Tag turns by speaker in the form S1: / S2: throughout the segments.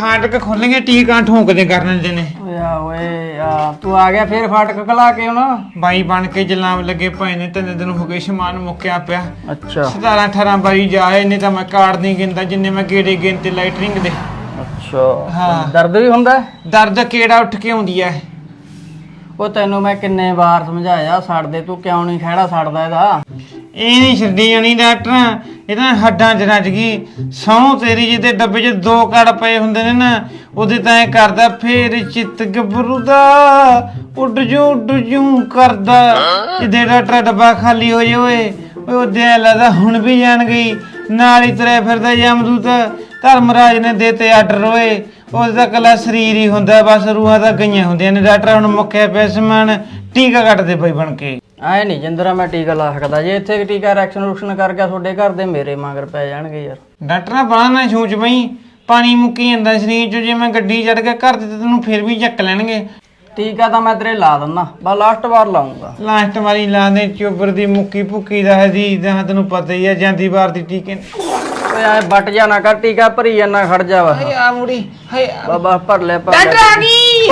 S1: फाटक खोलेंगे टीका ठोकदे करने देने
S2: ओए तू आ गया फिर फाटक खला के ਹੁਣ
S1: ਬਾਈ ਬਣ ਕੇ ਜਲਾਮ ਲੱਗੇ ਪਏ ਨੇ 3 ਦਿਨ ਹੋ ਗਏ ਸਮਾਨ ਮੁੱਕਿਆ ਪਿਆ
S2: ਅੱਛਾ
S1: 17 18 ਬਾਈ ਜਾਏ ਨਹੀਂ ਤਾਂ ਮੈਂ ਕਾਰਡ ਨਹੀਂ ਗਿਣਦਾ ਜਿੰਨੇ ਮੈਂ ਗੇੜੇ ਗਿਣਤੇ ਲਾਈਟਰਿੰਗ ਦੇ
S2: ਅੱਛਾ
S1: ਹਾਂ
S2: ਦਰਦ ਵੀ ਹੁੰਦਾ
S1: ਦਰਦ ਕਿਹੜਾ ਉੱਠ ਕੇ ਆਉਂਦੀ ਐ
S2: ਉਹ ਤੈਨੂੰ ਮੈਂ ਕਿੰਨੇ ਵਾਰ ਸਮਝਾਇਆ ਛੱਡ ਦੇ ਤੂੰ ਕਿਉਂ ਨਹੀਂ ਖਹਿੜਾ ਛੱਡਦਾ ਇਹਦਾ
S1: ਇਹ ਨਹੀਂ ਛੱਡੀ ਜਾਣੀ ਡਾਕਟਰ ਇਹਦਾ ਹੱਡਾਂ 'ਚ ਰੱਜ ਗਈ ਸਹੁੰ ਤੇਰੀ ਜਿਹਦੇ ਡੱਬੇ 'ਚ 2 ਕੜ ਪਏ ਹੁੰਦੇ ਨੇ ਨਾ ਉਹਦੇ ਤਾਂ ਐ ਕਰਦਾ ਫੇਰ ਚਿੱਤ ਗੱਭਰੂ ਦਾ ਉੱਡ ਜੂ ਕਰਦਾ ਜਿਹਦੇ ਡਾਕਟਰ ਡੱਬਾ ਖਾਲੀ ਹੋ ਜਾਵੇ ਉਹਦੇ ਐ ਲੱਗਦਾ ਹੁਣ ਵੀ ਜਾਣ ਗਈ ਨਾਲ ਹੀ ਤੁਰਿਆ ਫਿਰਦਾ ਯਮਦੂਤ ਧਰਮਰਾਜ ਨੇ ਦੇਤੇ ਆਰਡਰ ਓਏ ਉਹਦਾ ਕੱਲਾ ਸਰੀਰ ਹੀ ਹੁੰਦਾ ਬਸ ਰੂਹਾਂ ਤਾਂ ਗਈਆਂ ਹੁੰਦੀਆਂ ਨੇ ਡਾਕਟਰ ਹੁਣ ਮੁੱਕਿਆ ਪਿਆ ਸਮਾਨ ਟੀਕਾ ਕੱਟ ਦੇ ਬਈ ਬਣ ਕੇ
S2: ਐ ਨਹੀਂ ਜਿੰਦਰਾ ਮੈਂ ਟੀਕਾ ਲਾ ਸਕਦਾ ਜੇ ਇੱਥੇ ਟੀਕਾ ਰੈਕਸ਼ਨ ਕਰ ਗਿਆ ਤੁਹਾਡੇ ਘਰ ਦੇ ਮੇਰੇ ਮਗਰ ਪੈ ਜਾਣਗੇ ਯਾਰ
S1: ਡਾਕਟਰ ਬਾਹਰ ਨਾ ਸੋਚ ਬਈ ਪਾਣੀ ਮੁੱਕੀ ਜਾਂਦਾ ਸਰੀਰ ਚ ਜੇ ਮੈਂ ਗੱਡੀ ਚੜ ਕੇ ਘਰ ਤੇ ਤੈਨੂੰ ਫਿਰ ਵੀ ਚੱਕ ਲੈਣਗੇ
S2: ਟੀਕਾ ਤਾਂ ਮੈਂ ਤੇਰੇ ਲਾ ਦਿੰਦਾ ਬਸ ਲਾਸਟ ਵਾਰ ਲਾਉਂਗਾ
S1: ਲਾਸਟ ਵਾਰੀ ਲਾ ਦੇ ਚੋਬਰ ਦੀ ਮੁੱਕੀ ਭੁੱਕੀ ਦਾ ਹਦੀਦ ਦਾ ਤੈਨੂੰ ਪਤਾ ਹੀ ਆ ਜਾਂਦੀ ਵਾਰ ਦੀ ਟੀਕੇ
S2: ਓਏ ਐ ਬੱਟ ਜਾ ਨਾ ਕਰ ਟੀਕਾ ਭਰੀ ਜਾਣਾ ਖੜ ਜਾ ਵਾ
S1: ਹਾਏ ਆ ਮੁੜੀ ਹਾਏ
S2: ਬਾਬਾ ਭਰ ਲੈ
S1: ਡਾਕਟਰ ਆ ਗਈ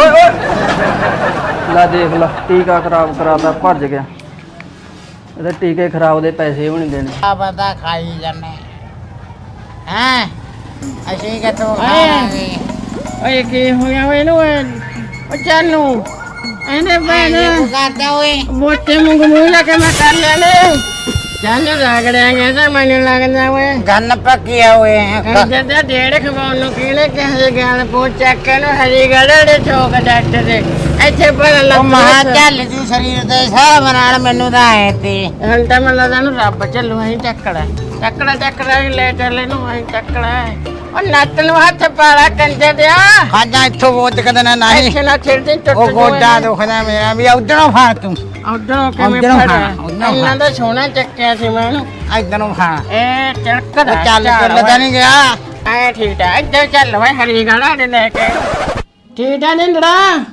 S2: ਓਏ ਲੈ ਦੇਖ ਲੈ ਟੀਕਾ ਖਰਾਬ ਕਰਾਤਾ ਭੱਜ ਗਿਆ ਇਹਦੇ ਟੀਕੇ ਖਰਾਬ ਦੇ ਪੈਸੇ ਵੀ ਨਹੀਂ ਦੇਣੇ
S3: ਆ ਬੰਦਾ ਖਾਈ ਜਾਂਦੇ ਹਾਂ ਅਸੀਂ ਕਿਤੋਂ ਖਾਵਾਂਗੇ
S4: ਓਏ ਕੀ ਹੋ ਗਿਆ ਓਏ ਨੂੰ ਓ ਚਾਲੂ ਇਹਨੇ ਬੈਨੇ
S3: ਕਰਦਾ ਓਏ
S4: ਮੋਟੇ ਮੂੰਹ ਲਾ ਕੇ ਮੈਂ ਕਰ ਲੈਣੇ ਚੱਲ ਰਗੜਾਂਗੇ ਤਾਂ ਮੈਨੂੰ ਲੱਗਦਾ ਓਏ
S3: ਗੰਨ ਪੱਕਿਆ ਓਏ
S4: ਜਦੋਂ ਡੇਢ ਖਵਾਉਣ ਨੂੰ ਕਿਹਨੇ ਕਿਸੇ ਗੱਲ ਪੁੱਛ ਚੱਕ ਕੇ ਨੂੰ ਹਰੀ ਗੜੜੇ ਠੋਕ ਡਾਕਟਰ ਦੇ ਇੱਥੇ ਪਰ
S3: ਉਹ ਮਹਾ ਚੱਲ ਤੂੰ ਸਰੀਰ ਦੇ ਹਿਸਾਬ ਨਾਲ ਮੈਨੂੰ ਤਾਂ ਆਏ ਤੇ
S4: ਹੁਣ ਤਾਂ ਮੈਨੂੰ ਲੱਗਦਾ ਨੂੰ ਰੱਬ ਚੱਲੂ ਅਸੀਂ ਚੱਕੜਾ ਲੈ ਚੱਲੇ ਨੂੰ ਅਸੀਂ ਚੱਕੜਾ ਉਹ ਨੱਤ ਨੂੰ ਹੱਥ ਪਾਲਾ ਕੰਜੇ ਦਿਆ
S3: ਖਾਜਾ ਇੱਥੋਂ ਬੋਤ ਕਦਨਾ ਨਹੀਂ
S4: ਇੱਥੇ ਨਾ ਛਿੜਦੀ ਟੁੱਟ
S3: ਉਹ ਗੋਡਾ ਦੁਖਦਾ ਮੇਰਾ ਵੀ ਉਧਰੋਂ ਫਾ ਤੂੰ
S4: ਉਧਰੋਂ ਕਿਵੇਂ
S3: ਉੱਧਰੋਂ
S4: ਫੜਿਆ
S3: ਹਾਂ, ਉੱਧਰੋਂ
S4: ਇਹਨਾਂ ਦਾ ਸੋਨਾ ਚੱਕਿਆ ਸੀ ਮੈਨੂੰ
S3: ਇਧਰੋਂ ਫਾ
S4: ਇਹ ਚੱਕਦਾ
S3: ਚੱਲ ਚੱਲਦਾ ਨਹੀਂ ਗਿਆ
S4: ਐ ਠੀਕ ਆ ਇੱਧਰ ਚੱਲ ਵੇ ਹਰੀ ਗਾੜਾ ਦੇ ਲੈ ਕੇ ਠੀਕ ਆ ਨਿੰਦੜਾ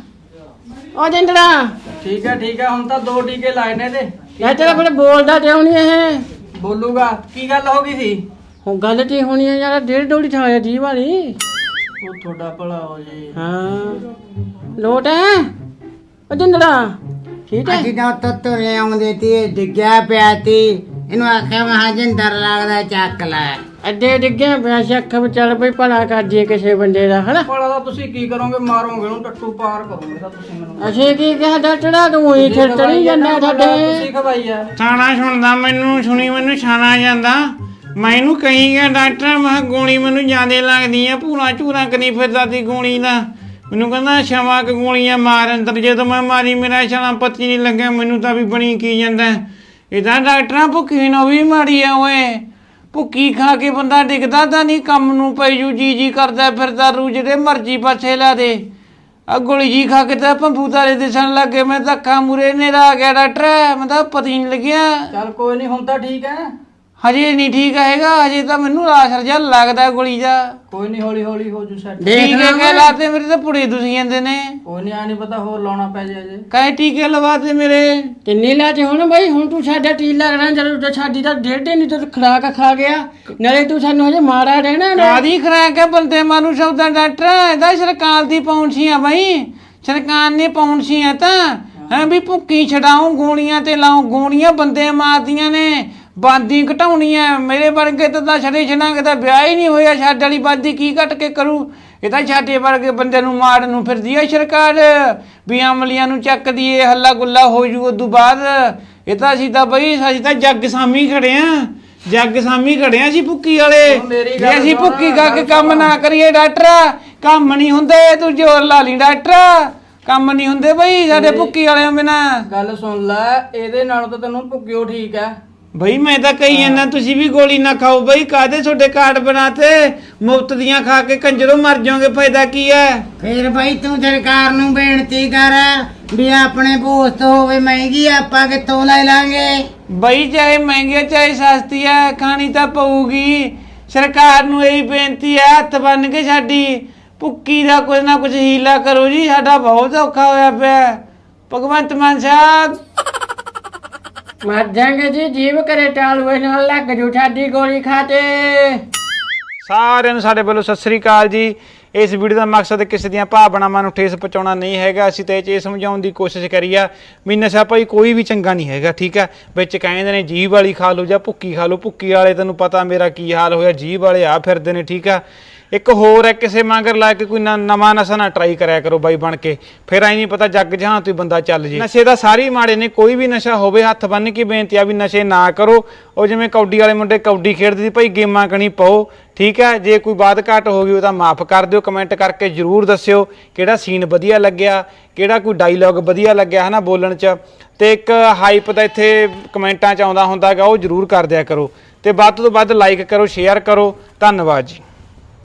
S4: ਉਹ ਨਿੰਦੜਾ
S2: ਠੀਕ ਹੈ ਹੁਣ ਤਾਂ 2 ਟੀਕੇ ਲਾਏ ਨੇ ਤੇ
S4: ਇਹ ਤੇਰਾ ਫਿਰ ਬੋਲਦਾ ਕਿਉਂ ਨਹੀਂ ਇਹ
S2: ਬੋਲੂਗਾ ਕੀ ਗੱਲ ਹੋ ਗਈ ਸੀ
S4: ਉਹ ਗੱਲ ਕੀ ਹੋਣੀ ਹੈ ਯਾਰ 1.5 ਡੋਲੀ ਠਾਇਆ ਜੀ ਵਾਲੀ
S2: ਉਹ ਤੁਹਾਡਾ ਭਲਾ ਹੋ ਜੀ
S4: ਹਾਂ ਲੋਟ ਹੈ ਉਹ ਨਿੰਦੜਾ ਠੀਕ ਹੈ
S3: ਅਸੀਂ ਤਾਂ ਉੱਤੋਂ ਤੁਰੇ ਆਉਂਦੇ ਤੇ ਡਿੱਗਿਆ ਪਿਆ ਤੀ ਇਹਨੂੰ ਆਖਿਆ ਮੈਂ ਜਿੰਦਰ ਲੱਗਦਾ ਚੱਕ ਲੈ
S4: ਅੱਡੇ ਡਿੱਗਿਆ ਪਿਆ ਸੀ ਅੱਖ ਵਿੱਚ ਚੱਲ ਪਈ ਭਲਾ ਕਰ ਜੇ ਕਿਸੇ ਬੰਦੇ ਦਾ ਹਨਾ
S2: ਭਲਾ ਤਾਂ ਤੁਸੀਂ ਕੀ ਕਰੋਗੇ ਮਾਰੋਗੇ ਉਹਨੂੰ ਟੱਟੂ ਪਾਰ ਕਰੋਗੇ ਤਾਂ ਤੁਸੀਂ ਮੈਨੂੰ
S4: ਅਸੀਂ ਕੀ ਕਿਹਾ ਡਾਕਟਰਾ ਤੂੰ ਹੀ ਠੜਤਣੀ ਜਾਂਦਾ ਸਾਡੇ
S2: ਤੁਸੀਂ ਖਵਾਈ ਆ
S1: ਛਾਣਾ ਸੁਣਦਾ ਮੈਨੂੰ ਛਾਣਾ ਜਾਂਦਾ ਮੈਨੂੰ ਕਹੀ ਗਿਆ ਡਾਕਟਰ ਮੈਂ ਗੋਲੀ ਮੈਨੂੰ ਜ਼ਿਆਦੇ ਲੱਗਦੀ ਆ ਪੂਰਾ ਝੂਰਾ ਕਰੀ ਫਿਰਦਾ ਤੀ ਗੋਲੀ ਦਾ ਮੈਨੂੰ ਕਹਿੰਦਾ ਛਵਾ ਕ ਗੋਲੀਆਂ ਮਾਰ ਅੰਦਰ ਜਦੋਂ ਮੈਂ ਮਾਰੀ ਮੇਰਾ ਛਾਲਾ ਪੱਤੀ ਨਹੀਂ ਲੱਗਿਆ ਮੈਨੂੰ ਤਾਂ ਵੀ ਬਣੀ ਕੀ ਜਾਂਦਾ ਇਹਦਾ ਡਾਕਟਰਾਂ ਭੁੱਖੀ ਨੂੰ ਵੀ ਮਾੜੀ ਆ ਓਏ ਭੁੱਕੀ ਖਾ ਕੇ ਬੰਦਾ ਡਿੱਗਦਾ ਤਾਂ ਨਹੀਂ ਕੰਮ ਨੂੰ ਪਈ ਜੂ ਜੀ ਕਰਦਾ ਫਿਰਦਾ ਰੂ ਜਿਹੜੇ ਮਰਜੀ ਪਾਸੇ ਲਾ ਦੇ ਆ ਗੋਲੀ ਜੀ ਖਾ ਕੇ ਤਾਂ ਭੰਬੂ ਤਾਰੇ ਦਿਸਣ ਲੱਗੇ ਮੈਂ ਧੱਕਾ ਮੂਰੇ ਨੇਰਾ ਆ ਗਿਆ ਡਾਕਟਰ ਮੈਂ ਤਾਂ ਪਤਾ ਹੀ ਨਹੀਂ ਲੱਗਿਆ
S2: ਚੱਲ ਕੋਈ ਨਹੀਂ ਹੁਣ ਤਾਂ ਠੀਕ ਹੈ
S1: ਹਜੇ ਨਹੀਂ ਠੀਕ ਹੈਗਾ ਹਜੇ ਤਾਂ ਮੈਨੂੰ ਆਸਰ ਜਿਹਾ ਲੱਗਦਾ ਗੋਲੀ ਦਾ
S2: ਕੋਈ ਨਹੀਂ ਹੌਲੀ ਹੋ ਜੂ ਸੈੱਟ
S1: ਟੀਕੇ ਕੇ ਲਾਤੇ ਮੇਰੇ ਤਾਂ ਪੁੜੇ ਤੁਸੀਂ ਜਾਂਦੇ ਨੇ
S2: ਕੋਈ ਨਹੀਂ ਆ ਨਹੀਂ ਪਤਾ ਹੋਰ ਲਾਉਣਾ ਪੈ ਜਾਏ ਜੇ
S1: ਕਾਹੇ ਟੀਕੇ ਲਵਾਤੇ ਮੇਰੇ
S4: ਤਿੰਨੀ ਲਾ ਤੇ ਹੁਣ ਬਈ ਹੁਣ ਤੂੰ ਸਾਡਾ ਟੀਲਾ ਰਹਿਣਾ ਜਦੋਂ ਸਾਡੀ ਤਾਂ 1.5 ਨਹੀਂ ਤੂੰ ਖੁਰਾਕ ਖਾ ਗਿਆ ਨਾਲੇ ਤੂੰ ਸਾਨੂੰ ਹਜੇ ਮਾਰਾ ਰਹਿਣਾ
S1: ਕਾਦੀ ਖਰਾਕ ਹੈ ਬੰਦੇ ਮਾਨੂੰ ਸ਼ਬਦਾਂ ਡਾਕਟਰ ਇਹਦਾ ਸਰਕਾਰ ਦੀ ਪੌਂਛੀ ਆ ਬਈ ਸਰਕਾਰ ਨੇ ਪੌਂਛੀ ਆ ਤਾਂ ਹੈ ਵੀ ਭੁੱਕੀ ਛਡਾਉ ਗੋਲੀਆਂ ਤੇ ਲਾਉ ਗੋਲੀਆਂ ਬੰਦੇ ਮਾਰਦੀਆਂ ਨੇ ਬਾਦੀ ਘਟਾਉਣੀ ਐ ਮੇਰੇ ਵਰਗੇ ਤਾਂ ਛੜੇ ਛਣਾਂਗੇ ਤਾਂ ਵਿਆਹ ਹੀ ਨਹੀਂ ਹੋਇਆ ਛੱਡ ਵਾਲੀ ਬਾਦੀ ਕੀ ਘਟ ਕੇ ਕਰੂ ਇਹ ਤਾਂ ਛਾਟੇ ਵਰਗੇ ਬੰਦੇ ਨੂੰ ਮਾਰਨ ਨੂੰ ਫਿਰਦੀ ਐ ਸਰਕਾਰ ਵੀ ਅਮਲੀਆਂ ਨੂੰ ਚੱਕਦੀ ਏ ਹੱਲਾ ਗੁੱਲਾ ਹੋ ਜੂ ਉਦੋਂ ਬਾਅਦ ਇਹ ਤਾਂ ਅਸੀਂ ਤਾਂ ਬਈ ਅਸੀਂ ਤਾਂ ਜੱਗ ਸਾਮੀ ਖੜੇ ਆ ਸੀ ਭੁੱਕੀ ਵਾਲੇ ਜੇ ਅਸੀਂ ਭੁੱਕੀ ਖਾ ਕੇ ਕੰਮ ਨਾ ਕਰੀਏ ਡਾਕਟਰ ਕੰਮ ਨਹੀਂ ਹੁੰਦੇ ਤੂੰ ਜ਼ੋਰ ਲਾ ਲਈ ਡਾਕਟਰ ਕੰਮ ਨਹੀਂ ਹੁੰਦੇ ਬਈ ਸਾਡੇ ਭੁੱਕੀ ਵਾਲਿਆਂ ਬਿਨਾ
S2: ਗੱਲ ਸੁਣ ਲੈ ਇਹਦੇ ਨਾਲੋਂ ਤਾਂ ਤੈਨੂੰ ਭੁੱਕਿਓ ਠੀਕ ਹੈ
S1: ਬਈ ਮੈਂ ਤਾਂ ਕਹੀ ਜਾਂਦਾ ਤੁਸੀਂ ਵੀ ਗੋਲੀ ਨਾ ਖਾਓ ਬਈ ਕਾਹਦੇ ਤੁਹਾਡੇ ਕਾਰਡ ਬਣਾਤੇ ਮੁਫਤ ਦੀਆਂ ਖਾ ਕੇ ਕੰਜਰੋਂ ਮਰ ਜਾਓਗੇ ਫਾਇਦਾ ਕੀ ਹੈ
S3: ਫੇਰ ਭਾਈ ਤੂੰ ਸਰਕਾਰ ਨੂੰ ਬੇਨਤੀ ਕਰ ਵੀ ਆਪਣੇ ਪੋਸਟ ਹੋਵੇ ਮਹਿੰਗੀ ਆਪਾਂ ਕਿੱਥੋਂ ਲੈ ਲਾਂਗੇ
S1: ਬਈ ਚਾਹੇ ਮਹਿੰਗੀ ਚਾਹੇ ਸਸਤੀ ਹੈ ਖਾਣੀ ਤਾਂ ਪਊਗੀ ਸਰਕਾਰ ਨੂੰ ਇਹੀ ਬੇਨਤੀ ਹੈ ਹੱਥ ਬੰਨ ਕੇ ਸਾਡੀ ਭੁੱਕੀ ਦਾ ਕੁਝ ਨਾ ਕੁਝ ਹੀਲਾ ਕਰੋ ਜੀ ਸਾਡਾ ਬਹੁਤ ਔਖਾ ਹੋਇਆ ਪਿਆ ਭਗਵੰਤ ਮਾਨ ਸਾਹਿਬ
S4: ਮਰ ਜਾਗੇ ਜੀ ਜੀਵ ਕਰੇ ਟਾਲ ਹੋਏ ਨਾਲ ਲੱਗ ਜੂ ਸਾਡੀ ਗੋਲੀ ਖਾਤੇ
S1: ਸਾਰਿਆਂ ਨੂੰ ਸਾਡੇ ਵੱਲੋਂ ਸਤਿ ਸ੍ਰੀ ਅਕਾਲ ਜੀ ਇਸ ਵੀਡੀਓ ਦਾ ਮਕਸਦ ਕਿਸੇ ਦੀਆਂ ਭਾਵਨਾਵਾਂ ਨੂੰ ਠੇਸ ਪਹੁੰਚਾਉਣਾ ਨਹੀਂ ਹੈਗਾ। ਅਸੀਂ ਤਾਂ ਇਹ ਸਮਝਾਉਣ ਦੀ ਕੋਸ਼ਿਸ਼ ਕਰੀ ਆ ਵੀ ਨਸ਼ਾ ਭਾਈ ਕੋਈ ਵੀ ਚੰਗਾ ਨਹੀਂ ਹੈਗਾ, ਠੀਕ ਆ। ਵਿੱਚ ਕਹਿੰਦੇ ਨੇ ਜੀਭ ਵਾਲੀ ਖਾ ਲਓ ਜਾਂ ਭੁੱਕੀ ਖਾ ਲਓ, ਭੁੱਕੀ ਵਾਲੇ ਤੈਨੂੰ ਪਤਾ ਮੇਰਾ ਕੀ ਹਾਲ ਹੋਇਆ, ਜੀਭ ਵਾਲੇ ਆ ਫਿਰਦੇ ਨੇ, ਠੀਕ ਆ। ਇੱਕ ਹੋਰ ਹੈ, ਕਿਸੇ ਮਗਰ ਲਾ ਕੇ ਕੋਈ ਨਵਾਂ ਨਸ਼ਾ ਨਾ ਟਰਾਈ ਕਰਿਆ ਕਰੋ ਬਾਈ ਬਣ ਕੇ, ਫਿਰ ਐ ਨਹੀਂ ਪਤਾ ਜੱਗ ਜਹਾਂ ਤੋਂ ਬੰਦਾ ਚੱਲ ਜੇ। ਨਸ਼ੇ ਦਾ ਸਾਰੇ ਮਾੜੇ ਨੇ, ਕੋਈ ਵੀ ਨਸ਼ਾ ਹੋਵੇ ਹੱਥ ਬੰਨ ਕੇ ਬੇਨਤੀ ਆ ਵੀ ਨਸ਼ੇ ਨਾ ਕਰੋ। ਉਹ ਜਿਵੇਂ ਕੌਡੀ ਵਾਲੇ ਮੁੰਡੇ ਕੌਡੀ ਖੇਡਦੇ ਸੀ ਭਾਈ, ਗੇਮਾਂ ਕਣੀ ਪਾਓ, ਠੀਕ ਹੈ। ਜੇ ਕੋਈ ਬਾਤ ਘਾਟ ਹੋ ਗਈ ਉਹ ਤਾਂ ਮਾਫ ਕਰ ਦਿਓ। ਕਮੈਂਟ ਕਰਕੇ ਜ਼ਰੂਰ ਦੱਸਿਓ ਕਿਹੜਾ ਸੀਨ ਵਧੀਆ ਲੱਗਿਆ, ਕਿਹੜਾ ਕੋਈ ਡਾਇਲੌਗ ਵਧੀਆ ਲੱਗਿਆ ਹੈ ਨਾ ਬੋਲਣ 'ਚ। ਤੇ ਇੱਕ ਹਾਈਪ ਦਾ ਇੱਥੇ ਕਮੈਂਟਾਂ 'ਚ ਆਉਂਦਾ ਹੁੰਦਾ ਗਾ, ਉਹ ਜ਼ਰੂਰ ਕਰ ਦਿਆ ਕਰੋ। ਤੇ ਵੱਧ ਤੋਂ ਵੱਧ ਲਾਈਕ ਕਰੋ, ਸ਼ੇਅਰ ਕਰੋ। ਧੰਨਵਾਦ ਜੀ।